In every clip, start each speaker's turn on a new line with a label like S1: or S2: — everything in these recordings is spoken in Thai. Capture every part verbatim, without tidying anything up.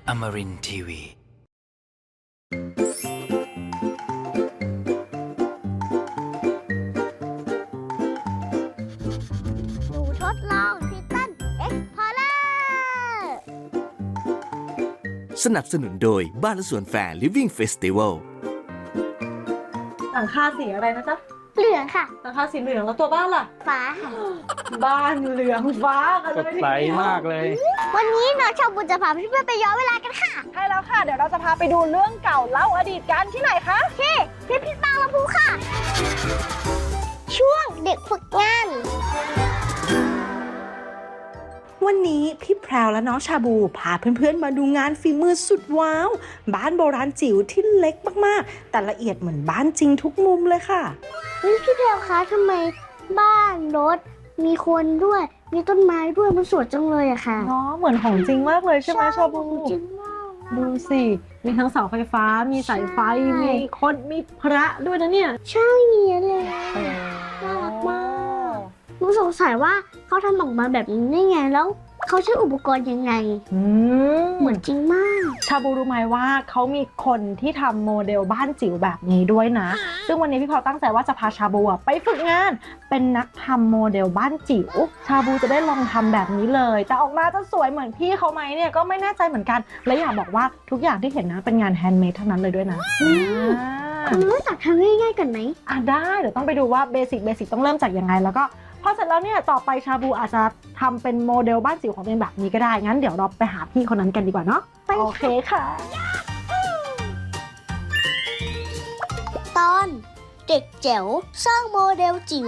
S1: Amarin ที วี
S2: หนูทดลองทิตันเอ็กพอร์เลอร์
S3: สนับสนุนโดยบ้านและสวนแฟร์ Living Festival
S4: หลังคาสีอะไรนะจ๊ะ
S2: เหลืองค่ะ
S4: หลังคาสีเหลืองแล้วตัวบ้านล่ะ
S2: ฟ้าค่ะ
S4: บ้านเหลืองฟ้ากัน
S5: ส
S4: เลย
S5: ดใสมากเลย
S2: วันนี้น้องชาวบุญจะพาเพื่อนๆไปย้อนเวลากันค่ะ
S4: ใช่แล้วค่ะ เดี๋ยวเราจะพาไปดูเรื่องเก่าเล่าอดีตกันที่ไหนคะ
S2: ที่พิพิธภัณฑ์ลำพูค่ะ ช่วงเด็กฝึกงาน
S6: วันนี้พี่แพรวและน้องชาบูพาเพื่อนๆมาดูงานฝีมือสุดว้าว บ้านโบราณจิ๋วที่เล็กมากๆ แต่ละเอียดเหมือนบ้านจริงทุกมุมเลยค่ะ
S2: นี่พี่แพรวคะทำไมบ้านรถ มีคนด้วย มีต้นไม้ด้วยมันสวยจังเลยอะค่ะ
S4: เนาะเหมือนของจริงมากเลยใช่ไหมชาบู
S2: จริงมาก
S4: ดูสิ มีทั้งเสาไฟฟ้า มีสายไฟ
S2: ใช่
S4: มีคนมีพระด้วยนะเนี่ย
S2: ใช่มีเลยน่ารักมากหนูสงสัยว่าเขาทำออกมาแบบนี้ได้ไงแล้วเขาใช้อุปกรณ์ยังไง
S4: อืม
S2: เหมือนจริงมาก
S4: ชาบูรู้ไหมว่าเขามีคนที่ทำโมเดลบ้านจิ๋วแบบนี้ด้วยนะ ซึ่งวันนี้พี่พอตั้งใจว่าจะพาชาบูอะไปฝึกงาน เป็นนักทำโมเดลบ้านจิ๋ว ชาบูจะได้ลองทำแบบนี้เลย แต่ออกมาจะสวยเหมือนพี่เขาไหมเนี่ยก็ไม่แน่ใจเหมือนกัน และอยากบอกว่าทุกอย่างที่เห็นนะเป็นงานแฮนด์เมดทั้งนั้นเลยด้วยนะอ่า
S2: คุณรู้จักทำง่ายๆกันไหม
S4: อ่ะได้เดี๋ยวต้องไปดูว่าเบสิกเบสิกต้องเริ่มจากยังไงแล้วก็พอเสร็จแล้วเนี่ยต่อไปชาบูอาจจะทำเป็นโมเดลบ้านจิ๋วของตัวเองแบบนี้ก็ได้งั้นเดี๋ยวเราไปหาพี่คนนั้นกันดีกว่าเนาะ
S2: ไปค่ะ
S4: โอเคค่ะ
S2: ตอนเด็กแจ๋วสร้างโมเดลจิ๋ว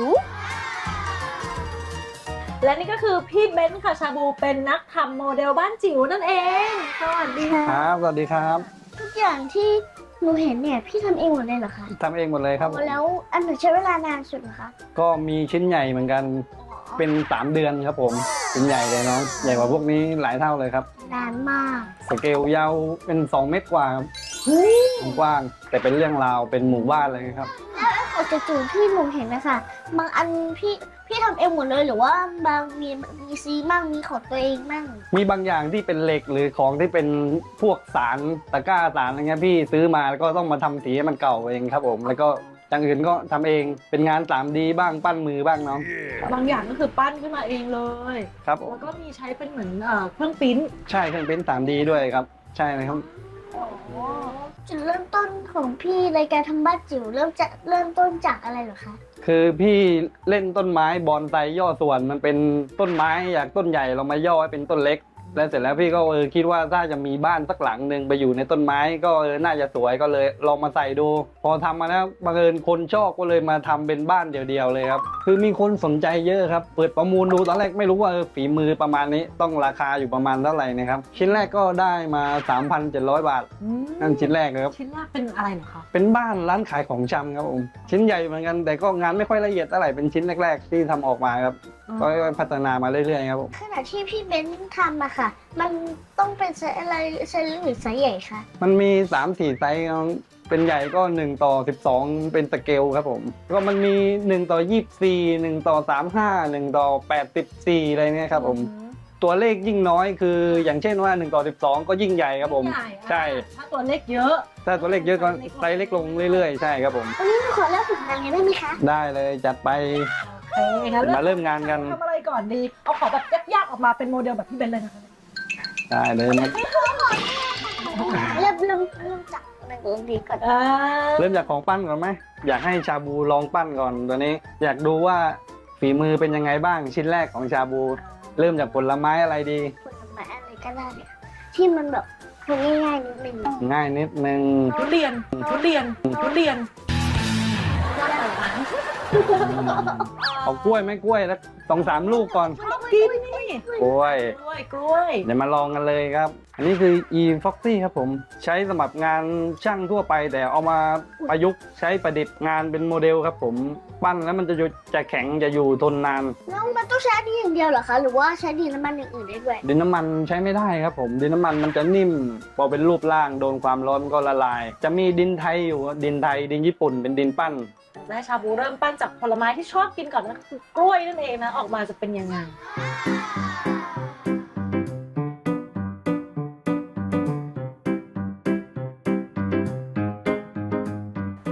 S4: และนี่ก็คือพี่เบนซ์ค่ะชาบูเป็นนักทำโมเดลบ้านจิ๋วนั่นเองสวัสดีค่ะ
S5: ครับ สวัสดีครับ
S2: ทุกอย่างที่หนูเห็นเนี่ยพี่ทำเองหมดเลยเหรอคะ
S5: ทำเองหมดเลยครับ
S2: แล้วอันไหนใช้เวลานานสุดเหรอคะ
S5: ก็มีชิ้นใหญ่เหมือนกัน เป็นสามเดือนครับผม ชิ้นใหญ่เลยเนาะ ใหญ่กว่าพวกนี้หลายเท่าเลยครับ
S2: นานมาก
S5: สเกลยาวเป็นสองเมตรกว่าครับกว้าง แต่เป็นเรื่องราว เป็นหมู่บ้านเลยครับ
S2: โอจะจูที่หนูเห็นนะคะบางอันพี่พี่ทำเองหมดเลยหรือว่าบางมีมีซีมั่งมีของตัวเองมั่ง
S5: มีบางอย่างที่เป็นเหล็กหรือของที่เป็นพวกสารตะกร้าสารอะไรเงี้ยพี่ซื้อมาแล้วก็ต้องมาทำสีให้มันเก่าเองครับผม แล้วก็อย่างอื่นก็ทำเอง เป็นงาน สามดี บ้าง ปั้นมือบ้างเนาะ
S4: บางอย่างก็คือปั้นขึ้นมาเองเลย
S5: ครับผม
S4: แล้วก็มีใช้เป็นเหมือนเอ่อเครื่องปริ้นท์
S5: ใช่เครื่องเป็น สามดี ด้วยครับ ใช่เลยครับ
S2: จุดเริ่มต้นของพี่ในการทำบ้านจิ๋วเริ่มจะเริ่มต้นจากอะไรเหรอคะ
S5: คือพี่เล่นต้นไม้บอนไซย่อส่วนมันเป็นต้นไม้อยากต้นใหญ่เรามาย่อให้เป็นต้นเล็ก แล้วเสร็จแล้วพี่ก็เออคิดว่าถ้าจะมีบ้านสักหลังหนึ่งไปอยู่ในต้นไม้ก็เออน่าจะสวยก็เลยลองมาใส่ดู พอทำมาแล้วบังเอิญคนชอบก็เลยมาทำเป็นบ้านเดียวๆเลยครับคือมีคนสนใจเยอะครับเปิดประมูลดูตอนแรกไม่รู้ว่าเออฝีมือประมาณนี้ต้องราคาอยู่ประมาณเท่าไหร่นะครับชิ้นแรกก็ได้มา สามพันเจ็ดร้อย บาท
S4: อืม
S5: นั่นชิ้นแรกเลยครับ
S4: ชิ้นแรกเป็นอะไรเหรอคะ
S5: เป็นบ้านร้านขายของชำครับผมชิ้นใหญ่เหมือนกันแต่ก็งานไม่ค่อยละเอียดเท่าไหร่เป็นชิ้นแรกๆที่ทำออกมาครับก็ค่อยๆพัฒนามาเรื่อยๆครับผม
S2: ขณะที่พี่เบนซ์ทำอะค่ะ มันต้องเป็นไซส์อะไรไซส์เล็กหรือไซส์ใหญ่คะ
S5: มันมี สามสี่ ไซส์ครับเป็นใหญ่ก็หนึ่งต่อสิบสองเป็นสเกลครับผมก็มันมีหนึ่งต่อยี่สิบสี่ หนึ่งต่อสามสิบห้า หนึ่งต่อแปดสิบสี่อะไรเนี่ยครับผมตัวเลขยิ่งน้อยคืออย่างเช่นว่าหนึ่งต่อสิบสองก็ยิ่งใหญ่ครับผม
S4: ใหญ่อะ
S5: ใช่
S4: ถ้าตัวเล็กเยอะ
S5: ถ้าตัวเลขเยอะก็ไซส์เล็กลงเรื่อยๆใช่ครับผม
S2: วันนี้หนูขอเริ่มฝึกงานกันได้ไหมคะ
S5: ได้เลยจัดไป
S4: โอเคงั้น
S5: มาเริ่มงานกัน
S4: ทำอะไรก่อนดี เอาของแบบยากๆออกมาเป็นโมเดลแบบพี่เบนซ์เลยนะคะ
S5: ได้เลยนะ
S2: เริ่มเริ่มเริ่มจากหนึ่งดีก่อน
S4: อ่า
S5: เริ่มจากของปั้นก่อนไหมอยากให้ชาบูลองปั้นก่อนตัวนี้ อยากดูว่าฝีมือเป็นยังไงบ้างชิ้นแรกของชาบู เริ่มจากผลไม้อะไรดี
S2: ผลไม้อะไรก็ได้เนี่ยที่มันแบบทำง่ายๆนิดนึง
S5: ง่ายนิดนึง
S4: ทุเรียนทุเรียนทุเรียน
S5: เอากล้วยไหมกล้วยแล้วสองสามลูกก่อน
S4: กินนี่
S5: กล้วย
S4: กล้วยกล้วย
S5: เดี๋ยวมาลองกันเลยครับ อันนี้คือ e foxy ครับผมใช้สำหรับงานช่างทั่วไปแต่เอามาประยุกต์ใช้ประดิษฐ์งานเป็นโมเดลครับผมปั้นแล้วมันจะอยู่จะแข็งจะอยู่ทนนาน
S2: แล้วมันต้องใช้อันนี้อย่างเดียวเหรอคะ หรือว่าใช้ดินน้ำมันอย่างอื่นได้ด้วย
S5: ดินน้ำมันใช้ไม่ได้ครับผมดินน้ำมันมันจะนิ่มพอเป็นรูปร่างโดนความร้อนก็ละลาย จะมีดินไทยอยู่ดินไทยดินญี่ปุ่นเป็นดินปั้น
S4: แม่ชาบูเริ่มปั้นจากผลไม้ที่ชอบกินก่อนนะคือกล้วยนั่นเองนะออกมาจะเป็นยังไง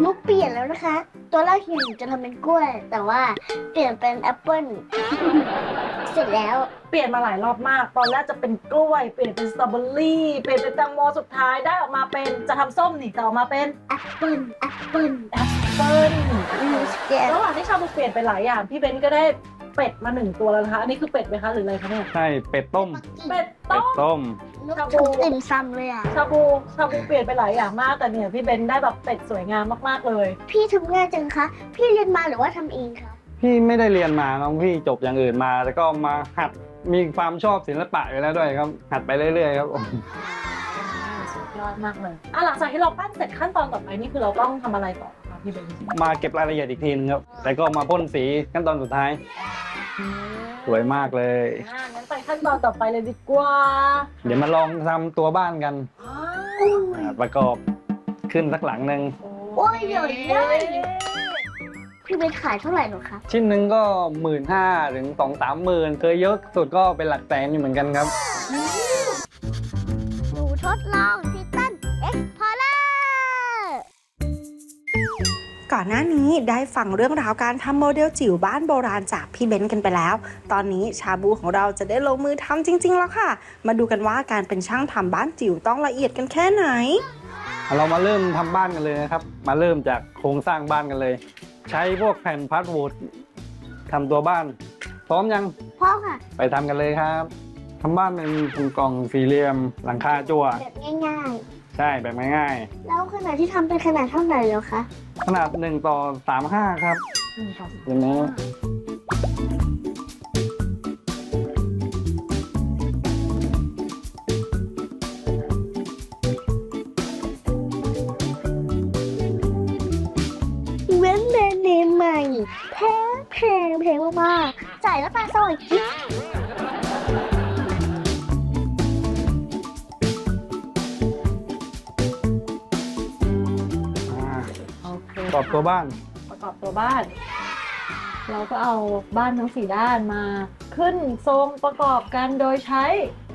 S2: หนูเปลี่ยนแล้วนะคะ ตัวแรกที่หนูจะทำเป็นกล้วย แต่ว่าเปลี่ยนเป็นแอปเปิ้ล เสร็จแล้ว
S4: เปลี่ยนมาหลายรอบมาก ตอนแรกจะเป็นกล้วย เปลี่ยนเป็นสตรอเบอรี่ เปลี่ยนเป็นแตงโมสุดท้ายได้ออกมาเป็นจะทำส้มนี่แต่ออกมาเป็น
S2: แอปเปิ้ล แอปเปิ้ล
S4: แอปเปิ้ล
S2: หนูสแกน
S4: ระหว่างที่ชาบูเปลี่ยนไปหลายอย่างพี่เบนก็ได้เป็ดมาหนึ่งตัวแล้วนะคะอันนี้คือเป็ดไหมคะหรืออะไรคะเนี่ย
S5: ใช่เป็ดต้ม
S4: เป็ด
S5: เป็
S4: ต้
S5: ด
S4: ม
S5: ต้ม
S2: นึกถึงติ่มซำเลยอ่ะ
S4: ชาบูชาบูเปลี่ยนไปหลายอย่างมากแต่เนี่ยพี่เบนได้แบบเป็ดสวยงามมากๆเลย
S2: พี่ทำง่ายจังคะ พี่เรียนมาหรือว่าทำเองคะ
S5: พี่ไม่ได้เรียนมาน้องพี่จบอย่างอื่นมา แล้วก็มาหัดมีความชอบศิลปะอยู่แล้วด้วยครับ หัดไปเรื่อยๆครับ
S4: สุดยอดมากเลยอ่ะหลังจากที่เราปั้นเสร็จขั้นตอนต่อไปนี่คือเราต้องทำอะไรต่อคะพี่เบน
S5: มาเก็บรายละเอียดอีกทีนึงครับแล้วก็มาพ่นสีขั้นตอนสุดท้าย สวยมากเลย
S4: อ่างั้นไปขั้นตอนต่อไปเลยดีกว่า
S5: เดี๋ยวมาลองทำตัวบ้านกัน
S4: อ้า
S5: อ่าประกอบขึ้นสักหลังหนึ่ง
S2: โอ้ยเดี๋ยวเลย พี่เป็นขายเท่าไหร่หนูคะ
S5: ชิ้นหนึ่งก็หมื่นห้าถึงสองสามหมื่นเคยเยอะสุดก็เป็นหลักแสนอยู่เหมือนกันครับ
S2: หนูทดลองทิตันเอ็กพอร์เลอร์
S6: ก่อนหน้านี้ได้ฟังเรื่องราวการทำโมเดลจิ๋วบ้านโบราณจากพี่เบนซ์กันไปแล้ว ตอนนี้ชาบูของเราจะได้ลงมือทำจริง ๆ แล้วค่ะ มาดูกันว่าการเป็นช่างทำบ้านจิ๋วต้องละเอียดกันแค่ไหน
S5: เรามาเริ่มทำบ้านกันเลยนะครับ มาเริ่มจากโครงสร้างบ้านกันเลย ใช้พวกแผ่นพาสวูดทำตัวบ้าน พร้อมยัง
S2: พ่อค่ะ
S5: ไปทำกันเลยครับทำบ้านเป็นกล่องสี่เหลี่ยมหลังคาจั่ว
S2: แบบง่าย
S5: ใช่แบบง่าย
S2: ๆ แล้วขนาดที่ทำเป็นขนาดเท่าไหร่แล้วคะ
S5: ๆขนาดหนึ่งต่อสามห้าครับ
S4: หนึ่งต่อ
S5: อย่างนี้
S2: เว้นแบรนด์เนมใหม่แพงแพงแพงมากๆจ่ายแล้วปลาสวยจิ๊บ
S5: อ่า
S4: โอเค
S5: ประกอบตัวบ้าน
S4: ประกอบตัวบ้าน เราก็เอาบ้านทั้งสี่ด้านมา ขึ้นทรงประกอบกันโดยใช้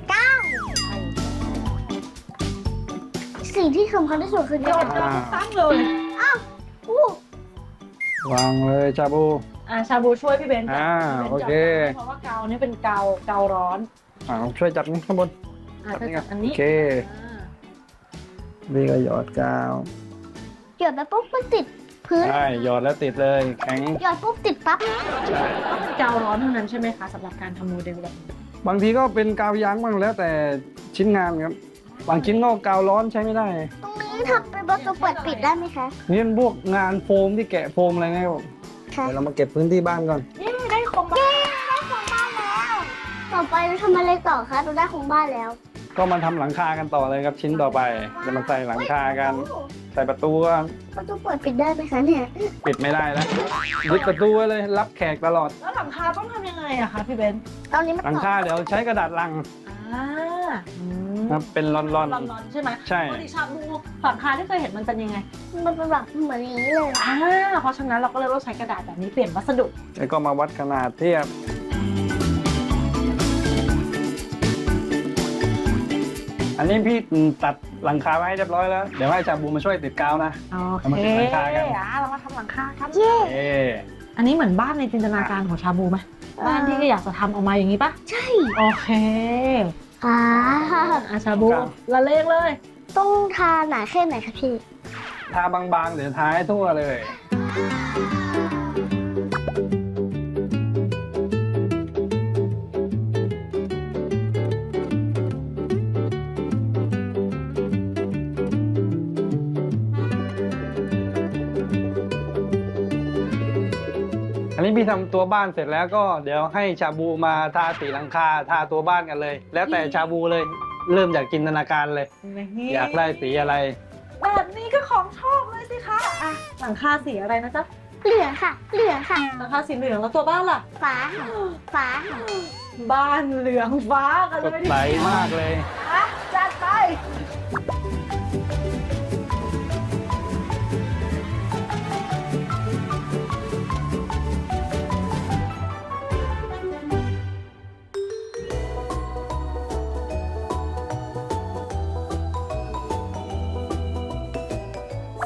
S2: สิ่งที่สำคัญที่สุดคือ
S4: โย
S2: ยอด
S4: นเราทุกครั้งเลย
S2: อู้
S5: วางเลยชาบู
S4: อ่าชาบูช่วยพี่เบนซ์จับ
S5: อ่า
S4: พี่บนซ์
S5: โอเค
S4: จับเพราะว่าเกานี่เป็นเกาเการ้อน
S5: อ่าช่วยจับนี่ข้างบน
S4: อ่า
S5: จับ
S4: เธอ
S5: นี่
S4: จั
S5: กับ น
S4: อัน
S5: โอ
S4: นี้
S5: เค
S4: อ่า
S5: นี่ก็หยอดกาว
S2: หยอดไปปุ๊บมันติดพื้น
S5: ใช่หยอดแล้วติดเลยแข็ง
S2: หยอดปุ๊บติดปั๊บ
S5: ใช่
S4: ต้องเป็นเการ้อนเท่านั้นใช่ไหมคะสำหรับการทำโมเดลแบบนี้
S5: บางทีก็เป็นกาวยางบ้างแล้วแต่ชิ้นงานครับ บางชิ้นก็กาวร้อนใช้ไม่ได้
S2: ตรงนี้ทำเป็นประตูเปิดปิดได้ไหมคะ
S5: นี่เป็นพวกงานโฟมที่แกะโฟมอะไรเงี้ยครับ
S2: ค่ะ
S5: เดี๋ยวเรามาเก็บพื้นที่บ้านก่อน
S4: เย้ได้โครงบ้าน
S2: ได้ของบ้านแล้ว ต่อไปเราทำอะไรต่อคะเราได้ของบ้านแล้ว
S5: ก็มาทำหลังคากันต่อเลยครับชิ้นต่อไปจะมาใส่หลังคากัน ใส่ประตูก็
S2: ประตูเปิดปิดได้ไหมคะเนี่ย
S5: ปิดไม่ได้แล้วยึดประตูไว้เลยรับแขกตลอด
S4: แล้วหลังคาต้องทำยังไงอะคะพี่เบนซ์
S2: ตอนนี้มัน
S5: หลังคาเดี๋ยวใช้กระดาษลัง
S4: อ่าอืม
S5: ครับเป็นรอน
S4: ร้อนๆใช่ไหม
S5: ๆใช่
S4: ปกติชาบูหลังคาที่เคยเห็นมันเป็นยังไง
S2: มันเป็นแบบเหมือนอย่างนี้เลย
S4: อ่าเพราะฉะนั้นเราก็เลยต้องใช้กระดาษแบบนี้เปลี่ยนวัสดุ
S5: แล้วก็มาวัดขนาดเทียบ อันนี้พี่ตัดหลังคาไว้ให้เรียบร้อยแล้ว เดี๋ยวให้ชาบูมาช่วยติดกาวนะ
S4: โอ
S5: เอามา
S4: เค
S5: ติดหลังคากัน
S4: อ่ะเรามาทำหลังคาครับ
S2: เย้
S5: เอ๊ะ
S4: อันนี้เหมือนบ้านในจินตนาการของชาบูไหมบ้านที่ก็อยากจะทำออกมาอย่างนี้ปะ
S2: ใช่
S4: โอเค
S2: อ่า
S4: อ่ะชาบูละเลงเลย
S2: ต้องทาหนาแค่ไหนคะพี่
S5: ทาบางๆ เดี๋ยวทาให้ทั่วเลย อันนี้พี่ทำตัวบ้านเสร็จแล้วก็เดี๋ยวให้ชาบูมาทาสีหลังคาทาตัวบ้านกันเลย แล้วแต่ชาบูเลยเริ่มจากจินตนาการเลย อยากได้สีอะไร
S4: แบบนี้ก็ของชอบเลยสิคะอ่ะหลังคาสีอะไรนะจ๊ะ
S2: เหลืองค่ะ เหลืองค่ะ
S4: หลังคาสีเหลืองแล้วตัวบ้านล่ะ
S2: ฟ้าค่ะฟ้าค่ะ
S4: บ้านเหลืองฟ้ากัน
S5: ส
S4: เล
S5: ด
S4: ย
S5: ใสมากเลย
S4: อ่ะจัดไป
S2: เสร็จแล้ว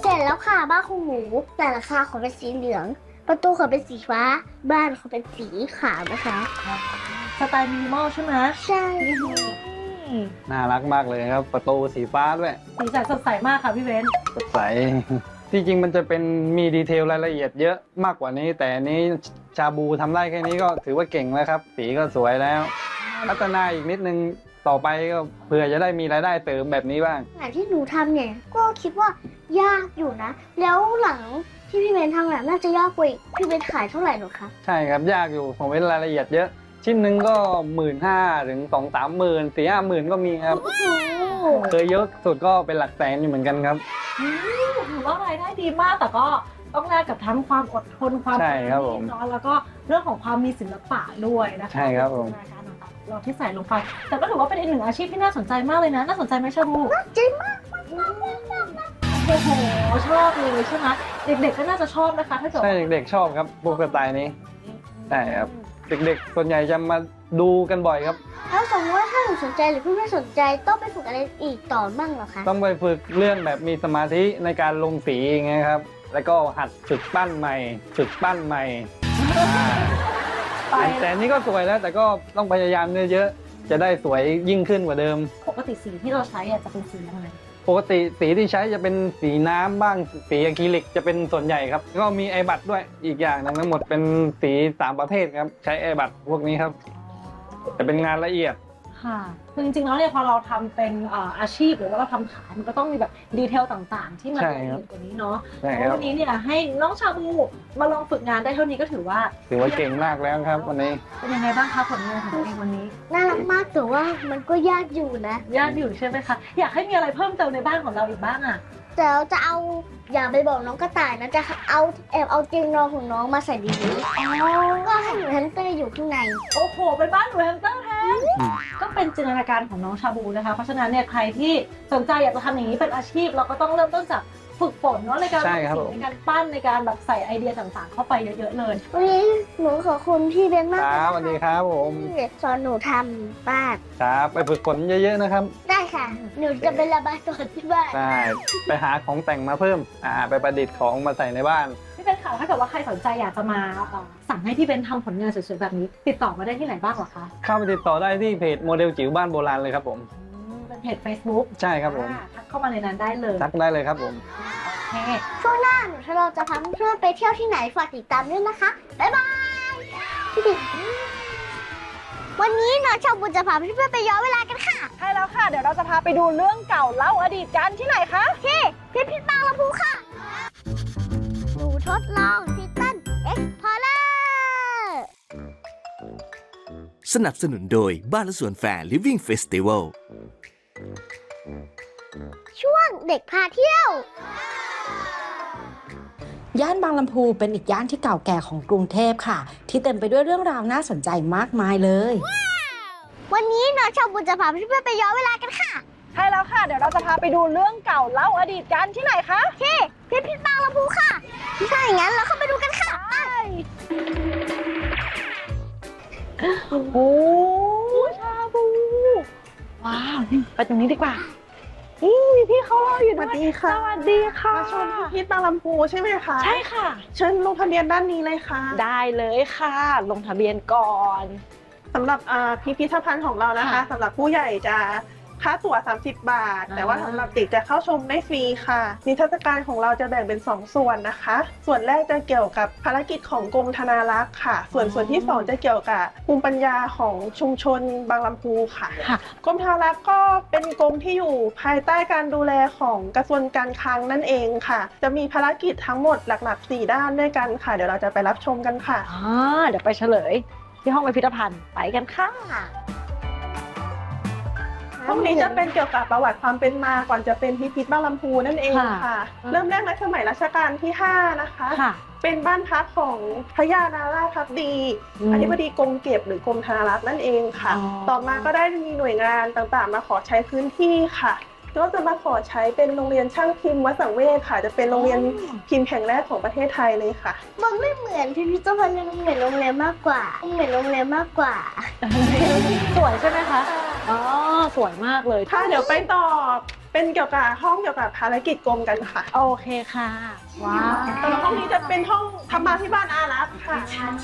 S2: ค่ะบ้านของหนูแต่ราคาของเป็นสีเหลือง ประตูของเป็นสีฟ้า บ้านของเป็นสีขาวนะคะ
S4: สไตล์มินิมอลใช่ไหม
S2: ใช่
S5: น่ารักมากเลยครับ ประตูสีฟ้าด้วย
S4: สีสันสดใสมากค่ะพี่เบน
S5: สดใส ที่จริงมันจะเป็นมีดีเทลรายละเอียดเยอะมากกว่านี้ แต่อันนี้ชาบูทำได้แค่นี้ก็ถือว่าเก่งแล้วครับ สีก็สวยแล้ว พัฒนาอีกนิดนึงต่อไปก็เผื่อจะได้มีรายได้เสริมแบบนี้บ้าง
S2: งานที่หนูทำเนี่ยก็คิดว่ายากอยู่นะ แล้วหลังที่พี่เบนทำเนี่ยน่าจะยากกว่าอีกพี่เบนขายเท่าไหร่หรอคะ
S5: ใช่ครับยากอยู่ผมเป็นรายละเอียดเยอะ ชิ้นหนึ่งก็หมื่นห้าถึงสองสามหมื่นสี่ห้าหมื่นก็มีครับ
S2: โอ้โห
S5: เคยเยอะสุดก็เป็นหลักแสนอยู่เหมือนกันครับ
S4: อืมถือว่ารายได้ดีมากแต่ก็ต้องแลกกับทั้งความอดทนความ
S5: ใช่ครับผม
S4: เนาะแล้วก็เรื่องของความมีศิลปะด้วยนะคะ
S5: ใช่ครับผม
S4: ในการต่างๆเราที่ใส่ลงไป แต่ก็ถือว่าเป็นอีกหนึ่งอาชีพที่น่าสนใจมากเลยนะน่าสนใจไหมชาบู
S2: จริงมาก
S4: โอ้โหชอบเลยใช่ไหมเด็กๆก็น่าจะชอบนะคะถ้าเกิด
S5: ใช่เด็กๆชอบครับพวกสไตล์นี้ใช่ครับเด็กๆส่วนใหญ่จะมาดูกันบ่อยครับ
S2: แล้วสมมติว่าถ้าหนูสนใจหรือพี่ไม่สนใจต้องไปฝึกอะไรอีกต่อบ้างเหรอคะ
S5: ต้องไปฝึกเรื่องแบบมีสมาธิในการลงสีอย่างเงี้ยครับ แล้วก็หัดฝึกปั้นใหม่ ฝึกปั้นใหม่อ่า
S4: ไป
S5: แต่อันนี้ก็สวยแล้ว แต่ก็ต้องพยายามเยอะๆจะได้สวยยิ่งขึ้นกว่าเดิม
S4: ปกติสีที่เราใช้อะจะเป็นสีอะไร
S5: ปกติสีที่ใช้จะเป็นสีน้ำบ้างสีอะคริลิกจะเป็นส่วนใหญ่ครับก็มีไอบัตด้วยอีกอย่างหนึงทั้งหมดเป็นสีสามประเภทครับใช้ไอบัตพวกนี้ครับจะเป็นงานละเอียด
S4: ค่ะคือจริงๆแล้วเนี่ยพอเราทำเป็นเอ่ออาชีพหรือว่าเราทำขายมันก็ต้องมีแบบดีเทลต่างๆ ที่มัน
S5: ใช่
S4: ละ
S5: ครับ
S4: เอียดกว่านี้เนาะ
S5: ใช่
S4: เพ
S5: ค
S4: ราะ
S5: รับ
S4: วันนี้เนี่ยให้น้องชาบูมาลองฝึกงานได้เท่านี้ก็ถือว่า
S5: ถือว่าเก่งมากแล้วครับวันนี้
S4: เป็นยังไงบ้างคะผลงานของตัวเองวันนี้
S2: น่ารักมากแต่ว่ามันก็ยากอยู่นะ
S4: ยากอยู่ใช่ไหมคะอยากให้มีอะไรเพิ่มเติมในบ้านของเราอีกบ้างอ่ะ
S2: แต่เราจะเอาอย่าไปบอกน้องกระต่ายนะจะเอาแอบเอาเตียงนอนของน้องมาใส่ดีนี้ก็ให้หนูแฮมสเตอร์อยู่ข้างใน
S4: โอ้โหเป็นบ้านหนูแฮมสเตอร์แทน
S5: อืม
S4: ก็เป็นจินตนาการของน้องชาบูนะคะเพราะฉะนั้นเนี่ยใครที่สนใจอยากจะทำอย่างนี้เป็นอาชีพเราก็ต้องเริ่มต้นจากฝึกฝนเนาะในการ
S5: ใช่ครับ
S4: ทำ
S5: ผ
S4: สี
S5: ม
S4: ในการปั้นในการแบบใส่ไอเดียต่างๆ เข้าไปเยอะๆเลย
S2: วันนี้หนูขอบคุณพี่เบนมาก
S5: ครับสวัสดีครับผม
S2: ที่สอนหนูทำบ้าน
S5: ครับไปฝึกฝนเยอะๆนะครับ
S2: ได้ค่ะ หนูจะไประบายตัวที่บ้าน
S5: ได้ไปหาของแต่งมาเพิ่มอ่าไปประดิษฐ์ของมาใส่ในบ้าน
S4: พี่เบนค่ะถ้าเกิดว่าใครสนใจอยากจะมาเอ่อสั่งให้พี่เบนทำผลงานสวยๆแบบนี้ ติดต่อมาได้ที่ไหนบ้างเหรอคะ
S5: เข้าไปติดต่อได้ที่เพจโมเดลจิ๋วบ้านโบราณเลยครับผม
S4: อืมเป็นเพจ Facebook
S5: ใช่ครับผม
S4: อ่าทักเข้ามาในนั้นได้เลย
S5: ทักได้เลยครับผม
S4: โอเค
S2: ช่วงหน้าหนูถ้าเราจะพาเพื่อนๆไปเที่ยวที่ไหนฝากติดตามด้วยนะคะ บ๊ายบายพี่ดิวันนี้น้องชาวบุญจะพาเพื่อนๆไปย้อนเวลากันค่ะ
S4: ใช่แล้วค่ะ เดี๋ยวเราจะพาไปดูเรื่องเก่าเล่าอดีตกันที่ไหนคะ
S2: ที่พิพิธภัณฑ์ลำพูค่ะ หนูทดลองทิตันเอ็กซ์พอร์เลอร์
S3: สนับสนุนโดยบ้านและสวนแฟร์ Living Festival
S2: ช่วงเด็กพาเที่ยว
S6: ย่านบางลำพูเป็นอีกย่านที่เก่าแก่ของกรุงเทพค่ะ ที่เต็มไปด้วยเรื่องราวน่าสนใจมากมายเลย
S2: วันนี้น้องชาวบุญจะพาเพื่อนๆไปย้อนเวลากันค่ะ
S4: ใช่แล้วค่ะ เดี๋ยวเราจะพาไปดูเรื่องเก่าเล่าอดีตกันที่ไหนคะ
S2: ที่พิพิธภัณฑ์ลำพูค่ะถ้าอย่างนั้นเราเข้าไปดูกันค่ะไป
S4: โอ้ชาบู ว้าวไปตรงนี้ดีกว่านี่มีพี่เขารออยู่
S1: ส
S4: ด้
S1: วั
S4: ว
S1: ส
S4: ย
S1: ดีค่ะ
S4: สวัสดีค่ะ
S1: มาชมพิพิธบางลำพูใช่ไหมคะ
S4: ใช่ค่ะ
S1: เชิญลงทะเบียนด้านนี้เลยค่ะ
S4: ได้เลยค่ะ ลงทะเบียนก่อน
S1: สำหรับอ่าพิพิธภัณฑ์ของเรานะคะ
S4: ค่ะ
S1: สำหรับผู้ใหญ่จะค่าตั๋วสามสิบบาท
S4: อ่า
S1: แต่ว่าสำหรับเด็กจะเข้าชมได้ฟรีค่ะนิทรรศการของเราจะแบ่งเป็นสองส่วนนะคะ ส่วนแรกจะเกี่ยวกับภารกิจของกรมธนารักษ์ค่ะ ส่วนส่วนที่สองจะเกี่ยวกับภูมิปัญญาของชุมชนบางลำพูค่ะ
S4: ค่ะ
S1: กรมธนารักษ์ก็เป็นกรมที่อยู่ภายใต้การดูแลของกระทรวงการคลังนั่นเองค่ะ จะมีภารกิจทั้งหมดหลักๆสี่ด้านด้วยกันค่ะ เดี๋ยวเราจะไปรับชมกันค่ะ
S4: อ่าเดี๋ยวไปเฉลย ที่ห้องพิพิธภัณฑ์ไปกันค่ะ
S1: ห้องนี้จะเป็นเกี่ยวกับประวัติความเป็นมาก่อนจะเป็นพิพิธบางลำพูนั่นเอง
S4: ค่ะ
S1: ค่ะ เริ่มแรกในสมัยรัชกาลที่ห้านะคะ
S4: ค่ะ
S1: เป็นบ้านพักของพระยานาราชพักดี
S4: อืม
S1: อธิบดีกรมเก็บหรือกรมธนารักษ์นั่นเองค่ะ
S4: อ๋อ
S1: ต่อมาก็ได้มีหน่วยงานต่างๆ มาขอใช้พื้นที่ค่ะก็จะมาขอใช้เป็นโรงเรียนช่างพิมพ์วัดสังเวชค่ะ จะเป็นโรงเรียนพิมพ์แห่งแรกของประเทศไทยเลยค่ะ
S2: มันไม่เหมือนพิพิธภัณฑ์มันเหมือนโรงแรมมากกว่าเหมือนโรงแรมมากกว่า
S4: สวยใช่ไหมคะ อ๋อ สวยมากเลย
S1: ค่ะเดี๋ยวไปต่อเป็นเกี่ยวกับห้องเกี่ยวกับภารกิจกรมกันค่ะ
S4: โอเคค่ะ ว้าว
S1: แต่ละห้องนี้จะเป็นห้องธรรมาภิบาลอารักษ์ค่ะ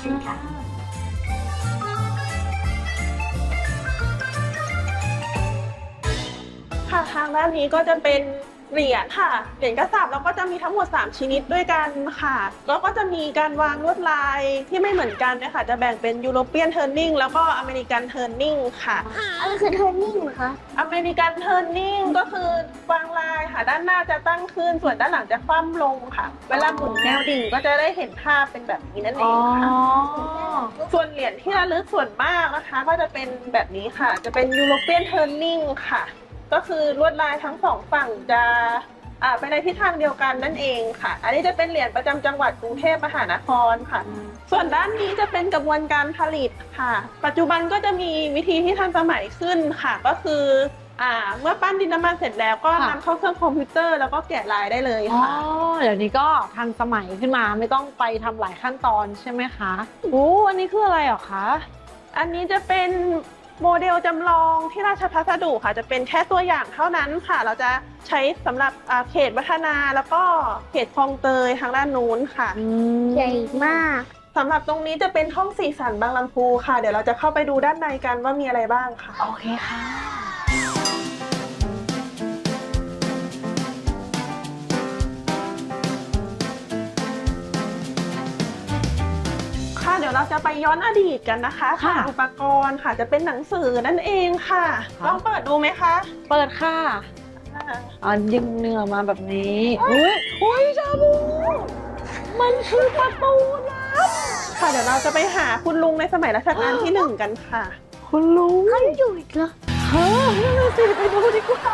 S1: ค่ะทางด้านนี้ก็จะเป็นเหรียญค่ะเหรียญกระสาบแล้วก็จะมีทั้งหมดสามชนิดด้วยกันค่ะแล้วก็จะมีการวางลวดลายที่ไม่เหมือนกันนะคะจะแบ่งเป็นยูโรเปียนเทิร์นนิ่งแล้วก็อเมริกันเทิร์นนิ่งค่ะ
S2: อะไรคือเทอร์นิ่งคะ
S1: อเมริกันเทิร์นนิ่งก็คือวางลายค่ะด้านหน้าจะตั้งขึ้นส่วนด้านหลังจะคว่ำลงค่ะ เวลาหมุนแนวดิ่งก็จะได้เห็นภาพเป็นแบบนี้นั่นเอ
S4: อ๋อ
S1: งค่ะส่วนเหรียญที่ระลึกส่วนมากนะคะ ก็จะเป็นแบบนี้ค่ะ จะเป็นยูโรเปียนเทิร์นนิ่งค่ะก็คือลวดลายทั้งสองฝั่งจะอ่าไปในทิศทางเดียวกันนั่นเองค่ะ อันนี้จะเป็นเหรียญประจำจังหวัดกรุงเทพมหานครค่ะ ส่วนด้านนี้จะเป็นกระบวนการผลิตค่ะ ปัจจุบันก็จะมีวิธีที่ทันสมัยขึ้นค่ะ ก็คืออ่าเมื่อปั้นดินน้ำมันเสร็จแล้วก็
S4: ค่ะ
S1: นำเข้าเครื่องคอมพิวเตอร์แล้วก็แกะลายได้เลย
S4: อ๋อ
S1: ค่ะ
S4: เดี๋ยวนี้ก็ทันสมัยขึ้นมาไม่ต้องไปทำหลายขั้นตอนใช่ไหมคะโอ้อันนี้คืออะไรเหรอคะ
S1: อันนี้จะเป็นโมเดลจำลองที่ราชพัสดุค่ะจะเป็นแค่ตัวอย่างเท่านั้นค่ะ เราจะใช้สำหรับอ่าเขตวัฒนาแล้วก็เขตคลองเตยทางด้านนู้นค่ะ
S2: ใหญ่มาก
S1: สำหรับตรงนี้จะเป็นห้องสีสันบางลำพูค่ะ เดี๋ยวเราจะเข้าไปดูด้านในกันว่ามีอะไรบ้างค่ะ
S4: โอเคค่ะ
S1: ค่ะเดี๋ยวเราจะไปย้อนอดีตกันนะคะ
S4: ค่ะ
S1: อุปกรณ์ค่ะจะเป็นหนังสือนั่นเองค่ะ
S4: ค่ะ
S1: ลองเปิดดูไหมคะ
S4: เปิดค่ะ
S1: อ่า
S4: อ๋อยิงเนื้อมาแบบนี้ อุ้ยอุ้ยชาบูมันคือประตูลับ
S1: ค่ะเดี๋ยวเราจะไปหาคุณลุงในสมัยรัชกาลที่หนึ่งกันค่ะ
S4: คุณลุง
S2: เขาอยู่อีกเหรอ
S4: เฮ้ยนั่นน่ะสิไปดูดีกว่า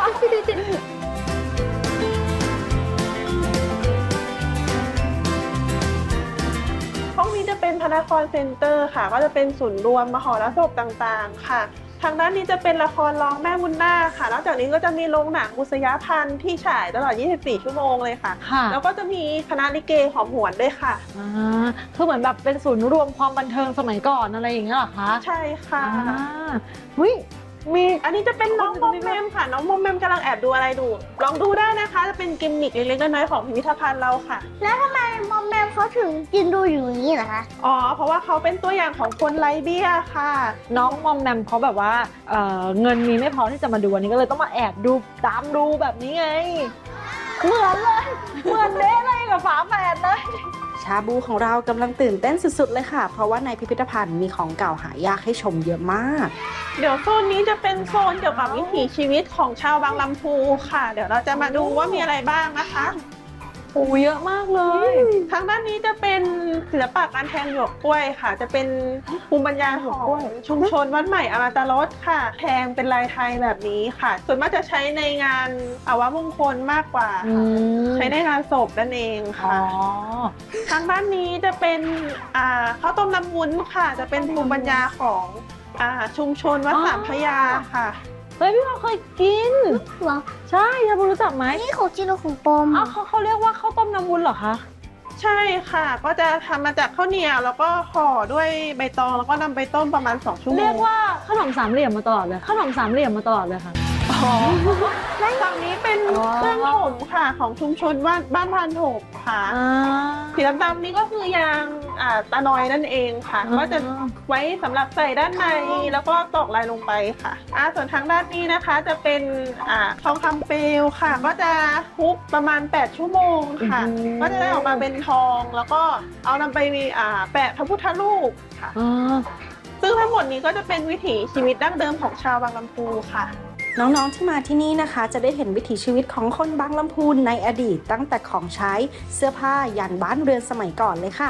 S1: ห้องนี้จะเป็นพระนครเซ็นเตอร์ค่ะ ก็จะเป็นศูนย์รวมมหรสพต่างๆค่ะ ทางด้านนี้จะเป็นละครร้องแม่บุญนาคค่ะ นอกจากนี้ก็จะมีโรงหนังบุษยพันธ์ที่ฉายตลอด ยี่สิบสี่ ชั่วโมงเลยค่ะ
S4: ค่ะ
S1: แล้วก็จะมีคณะลิเกหอมหวนด้วยค่ะ
S4: อ่าคือเหมือนแบบเป็นศูนย์รวมความบันเทิงสมัยก่อนอะไรอย่างเงี้ยเหรอคะ
S1: ใช่ค่ะ
S4: อ่าวิมี
S1: อันนี้จะเป็นน้องมอมแมมค่ะ น้องมอมแมมกำลังแอบดูอะไรดู ลองดูได้นะคะ จะเป็นกิมมิคเล็กๆน้อยๆของพิพิธภัณฑ์เราค่ะ
S2: แล้วทำไมมอมแมมเขาถึงยืนดูอยู่อย่างนี้เหรอคะ
S1: อ๋อ เพราะว่าเขาเป็นตัวอย่างของคนไร้เบี้ยค่ะ
S4: น้องมอมแมมเขาแบบว่าเอ่อเงินมีไม่พอที่จะมาดูอันนี้ก็เลยต้องมาแอบดูตามดูแบบนี้ไง เหมือนเลย เหมือนเด้เลยกับฝาแฝดเลย
S6: ชาบูของเรากำลังตื่นเต้นสุดๆเลยค่ะ เพราะว่าในพิพิธภัณฑ์มีของเก่าหายากให้ชมเยอะมาก
S1: เดี๋ยวโซนนี้จะเป็นโซนเกี่ยวกับวิถีชีวิตของชาวบางลำพูค่ะ เดี๋ยวเราจะมาดูว่ามีอะไรบ้างนะคะ
S4: โอ้เยอะมากเลย
S1: ทางด้านนี้จะเป็นศิลปะการแทงหยวกกล้วยค่ะ จะเป็นภูมิปัญญาของชุมชนวัดใหม่อมตะรสค่ะ แทงเป็นลายไทยแบบนี้ค่ะ ส่วนมากจะใช้ในงานอาวมงคลมากกว่า
S4: อื
S1: ค่ะ
S4: ม
S1: ใช้ในงานศพนั่นเอง
S4: อ๋อ
S1: ค่ะ ทางด้านนี้จะเป็นอ่าข้าวต้มน้ำวุ้นค่ะ จะเป็นภูมิปัญญาของอ่าชุมชนวัดสามพระยาค่ะ
S4: เฮ้ยพี่เราเคยกิน
S2: เหรอ
S4: ใช่ชาบูรู้จักไหม
S2: นี่ของจริงหรือของปลอม
S4: อ้าวเขาเขาเรียกว่าข้าวต้มน้ำวุ้นเหรอคะ
S1: ใช่ค่ะ ก็จะทำมาจากข้าวเหนียวแล้วก็ห่อด้วยใบตองแล้วก็นำไปต้มประมาณสองชั่วโมง
S4: เรียกว่าขนมสามเหลี่ยมมาตลอดเลยขนมสามเหลี่ยมมาตลอดเลยค่ะ
S1: ฝั่งนี้เป็น
S4: อ๋อ
S1: เครื่องถมค่ะของชุมชนบ้านบ้านพานถมค่ะ
S4: อ่า
S1: สีดำๆนี่ก็คือยางอ่าตะนอยนั่นเองค่ะ
S4: อ่า
S1: ก็จะไว้สำหรับใส่ด้านในแล้วก็ตอกลายลงไปค่ะอ่าส่วนทางด้านนี้นะคะจะเป็นอ่าทองคำเปลวค่ะ ก็จะทุบประมาณแปดชั่วโมงค่ะ ก็จะได้ออกมาเป็นทองแล้วก็เอานำไปอ่าแปะพระพุทธรูปค่ะ
S4: อ่า
S1: ซึ่งทั้งหมดนี้ก็จะเป็นวิถีชีวิตดั้งเดิมของชาวบางลำพูค่ะ
S6: น้องๆที่มาที่นี่นะคะ จะได้เห็นวิถีชีวิตของคนบางลำพูนในอดีต ตั้งแต่ของใช้เสื้อผ้ายันบ้านเรือนสมัยก่อนเลยค่ะ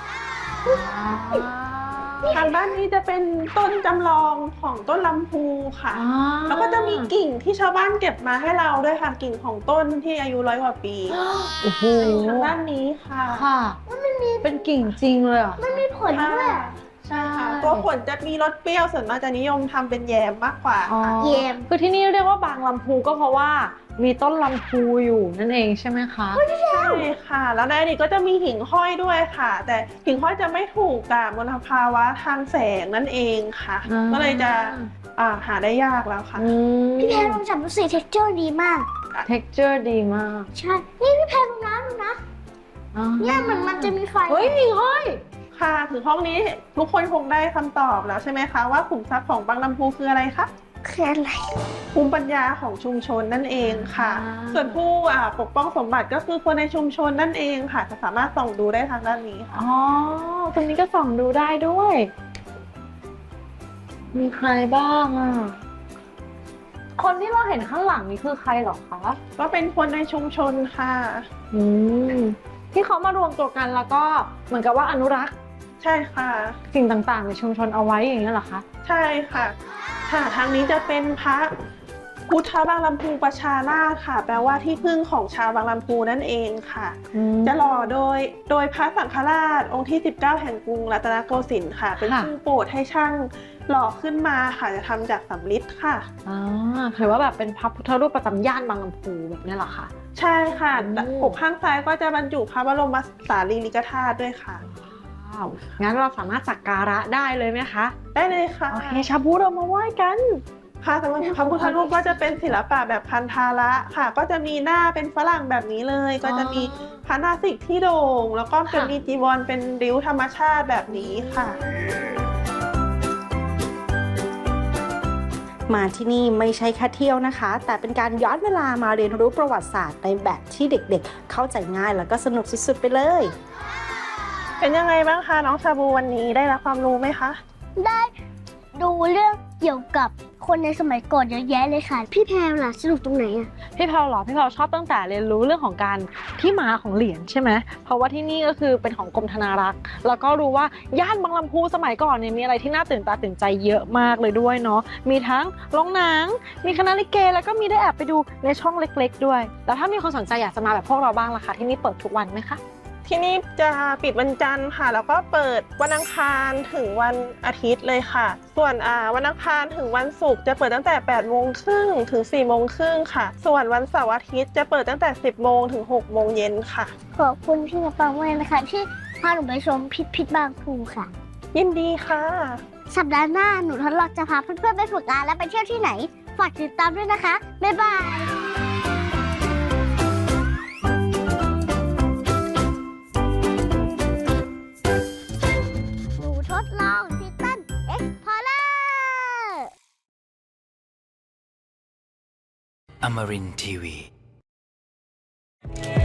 S1: ทางด้านนี้จะเป็นต้นจำลองของต้นลำพูค่ะ
S4: อ่า
S1: แล้วก็จะมีกิ่งที่ชาวบ้านเก็บมาให้เราด้วยค่ะกิ่งของต้นที่อายุร้อยกว่าปี
S4: โอ้โห
S1: ทางด้านนี้ค่ะ
S4: ค่ะ เป็นกิ่งจริงเลยเหรอ่ะ
S2: มันมีผลด้วย
S1: ใช่ค่ะตัวผลจะมีรสเปรี้ยวส่วนมากจะนิยมทำเป็นแยมมากกว่า
S4: อ๋อ
S1: ค่ะ
S2: เยี่ยม
S4: คือที่นี่เรียกว่าบางลำพูก็เพราะว่ามีต้นลำพูอยู่นั่นเองใช่ไหมคะ
S1: ใช่ค่ะ แล้วในอดีตก็จะมีหิ่งห้อยด้วยค่ะ แต่หิ่งห้อยจะไม่ถูกกับมลภาวะทางแสงนั่นเองค่ะ
S4: อ่า
S1: ก็เลยจะอ่าหาได้ยากแล้วค่ะ
S4: อืม
S2: พี่แพรลองจับดูสิเท็กเจอร์ดีมาก
S4: texture ดีมาก
S2: ใช่ นี่พี่แพรดูนะดูนะ
S4: อ๋อ
S2: เนี่ยมันมันจะมีไฟ
S4: เฮ้ยมีห้อย
S1: ค่ะถึงห้องนี้ทุกคนคงได้คำตอบแล้วใช่ไหมคะว่าขุมทรัพย์ของบางลำพูคืออะไรคะ
S2: คืออะไร
S1: ภูมิปัญญาของชุมชนนั่นเองค่ะ
S4: อ่า
S1: ส่วนผู้อ่าปกป้องสมบัติก็คือคนในชุมชนนั่นเองค่ะ จะสามารถส่องดูได้ทางด้านนี้ค่ะ
S4: อ๋อตรงนี้ก็ส่องดูได้ด้วย มีใครบ้างอ่ะ คนที่เราเห็นข้างหลังนี่คือใครเหรอคะ
S1: ก็เป็นคนในชุมชนค่ะ
S4: อืมที่เขามารวมตัวกันแล้วก็เหมือนกับว่าอนุรักษ์
S1: ใช่ค่ะ
S4: สิ่งต่างๆในชุมชนเอาไว้อย่างนี้ยเหรอคะ
S1: ใช่ค่ะ ค่ะทางนี้จะเป็นพระพุทธบางลำพูประชาราชค่ะ แปลว่าที่พึ่งของชาวบางลำพูนั่นเองค่ะ จะหล่อโดยโดยพระสังฆราชองค์ที่สิบเก้าแห่งกรุงรัตนโกสินทร์ค่ะ เป็น
S4: ค่ะ
S1: ผู้โปรดให้ช่างหล่อขึ้นมาค่ะ จะทำจากสำริดค่ะ
S4: อ่าถือว่าแบบเป็นพระพุทธรูปประจำย่านบางลำพูแบบนี้เหรอคะ
S1: ใช่ค่ะ
S4: อืม
S1: ปกข้างซ้ายก็จะบรรจุพระบรมสารีริกธาตุด้วยค่ะ
S4: ว้าวงั้นเราสามารถสักการะได้เลยไหมคะ
S1: ได้เลยค่ะ
S4: โอเคชาบูเรามาไหว้กัน
S1: ค่ะสำหรับพระพุทธรูปก็จะเป็นศิลปะแบบพันธาระค่ะ ก็จะมีหน้าเป็นฝรั่งแบบนี้เลย ก็จะมีพระนาสิกที่โด่ง แล้วก็จะ
S4: ค่ะ
S1: มีจีวรเป็นริ้วธรรมชาติแบบนี้ค่ะ
S6: มาที่นี่ไม่ใช่แค่เที่ยวนะคะ แต่เป็นการย้อนเวลามาเรียนรู้ประวัติศาสตร์ในแบบที่เด็กๆ เข้าใจง่ายแล้วก็สนุกสุดๆไปเลย
S1: เป็นยังไงบ้างคะน้องชาบูวันนี้ได้รับความรู้ไหมคะ
S2: ได้ดูเรื่องเกี่ยวกับคนในสมัยก่อนเยอะแยะเลยค่ะ พี่แพรล่ะสนุกตรงไหนอะ
S4: พี่เพาเหรอพี่เพาชอบตั้งแต่เรียนรู้เรื่องของการที่มาของเหรียญใช่ไหมเพราะว่าที่นี่ก็คือเป็นของกรมธนารักษ์แล้วก็รู้ว่าย่านบางลำพูสมัยก่อนเนี่ยมีอะไรที่น่าตื่นตาตื่นใจเยอะมากเลยด้วยเนาะมีทั้งโรงหนังมีคณะลิเกแล้วก็มีได้แอบไปดูในช่องเล็ก ๆ ด้วยแล้วถ้ามีคนสนใจอยากจะมาแบบพวกเราบ้างล่ะคะที่นี่เปิดทุกวันไหมคะ
S1: ที่นี่จะปิดวันจันทร์ค่ะ แล้วก็เปิดวันอังคารถึงวันอาทิตย์เลยค่ะ ส่วนอ่าวันอังคารถึงวันศุกร์จะเปิดตั้งแต่แปดโมงครึ่งถึงสี่โมงครึ่งค่ะ ส่วนวันเสาร์อาทิตย์จะเปิดตั้งแต่สิบโมงถึงหกโมงเย็นค่ะ
S2: ขอบคุณพี่กระเป๋ามากนะคะที่พาหนูไปชมพิพิธบางพูค่ะ
S1: ยินดีค่ะ
S2: สัปดาห์หน้าหนูทดลองจะพาเพื่อนๆไปฝึกงานและไปเที่ยวที่ไหน ฝากติดตามด้วยนะคะ บ๊ายบาย หนูทดลองทิตันเอ็กพอร์เลอร์
S3: Amarin Tiwi